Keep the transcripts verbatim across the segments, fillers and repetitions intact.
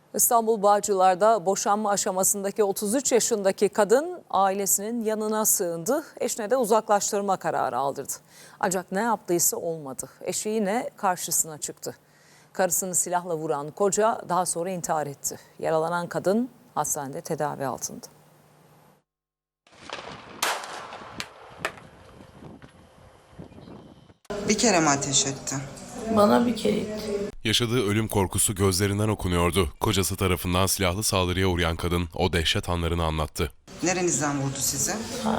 İstanbul Bağcılar'da boşanma aşamasındaki otuz üç yaşındaki kadın ailesinin yanına sığındı. Eşine de uzaklaştırma kararı aldırdı. Ancak ne yaptıysa olmadı. Eşi yine karşısına çıktı. Karısını silahla vuran koca daha sonra intihar etti. Yaralanan kadın hastanede tedavi altında. Bir kere mi ateş etti? Bana bir kere etti. Yaşadığı ölüm korkusu gözlerinden okunuyordu. Kocası tarafından silahlı saldırıya uğrayan kadın o dehşet anlarını anlattı. Nerenizden vurdu sizi?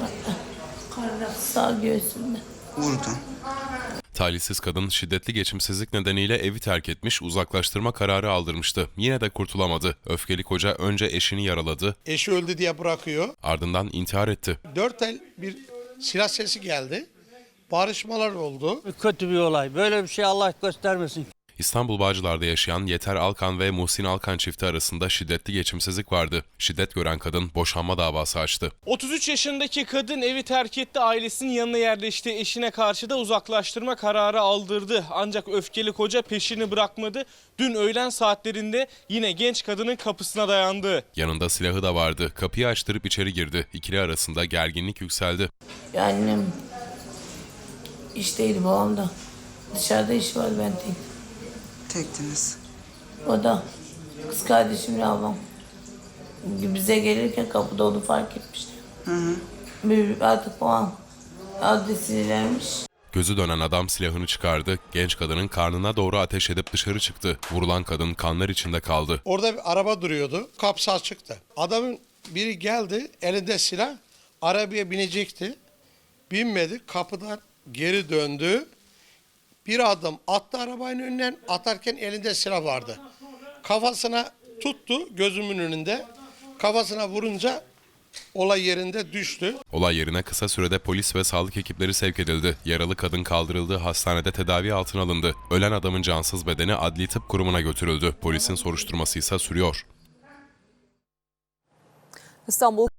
Karnı sağ göğsümde. Vurdu. Talihsiz kadın şiddetli geçimsizlik nedeniyle evi terk etmiş, uzaklaştırma kararı aldırmıştı. Yine de kurtulamadı. Öfkeli koca önce eşini yaraladı, Eşi öldü diye bırakıyor. ardından intihar etti. Dört el bir silah sesi geldi. Barışmalar oldu. Kötü bir olay. Böyle bir şey Allah göstermesin. İstanbul Bağcılar'da yaşayan Yeter Alkan ve Muhsin Alkan çifti arasında şiddetli geçimsizlik vardı. Şiddet gören kadın boşanma davası açtı. otuz üç yaşındaki kadın evi terk etti, ailesinin yanına yerleşti. Eşine karşı da uzaklaştırma kararı aldırdı. Ancak öfkeli koca peşini bırakmadı. Dün öğlen saatlerinde yine genç kadının kapısına dayandı. Yanında silahı da vardı. Kapıyı açtırıp içeri girdi. İkili arasında gerginlik yükseldi. Ya annem işteydi, babam da. Dışarıda iş var, ben tek. Tektiniz. O da kız kardeşimle ablam. Bize gelirken kapıda onu fark etmişti. Hı hı. Bir artık babam adresini vermiş. Gözü dönen adam silahını çıkardı. Genç kadının karnına doğru ateş edip dışarı çıktı. Vurulan kadın kanlar içinde kaldı. Orada bir araba duruyordu. Kapısı açıktı. Adamın biri geldi, elinde silah. Arabaya binecekti. Binmedi. Kapıdan geri döndü. Bir adım attı arabanın önünden. Atarken elinde silah vardı. Kafasına tuttu gözümün önünde. Kafasına vurunca olay yerinde düştü. Olay yerine kısa sürede polis ve sağlık ekipleri sevk edildi. Yaralı kadın kaldırıldığı hastanede tedavi altına alındı. Ölen adamın cansız bedeni Adli Tıp Kurumu'na götürüldü. Polisin soruşturması ise sürüyor. İstanbul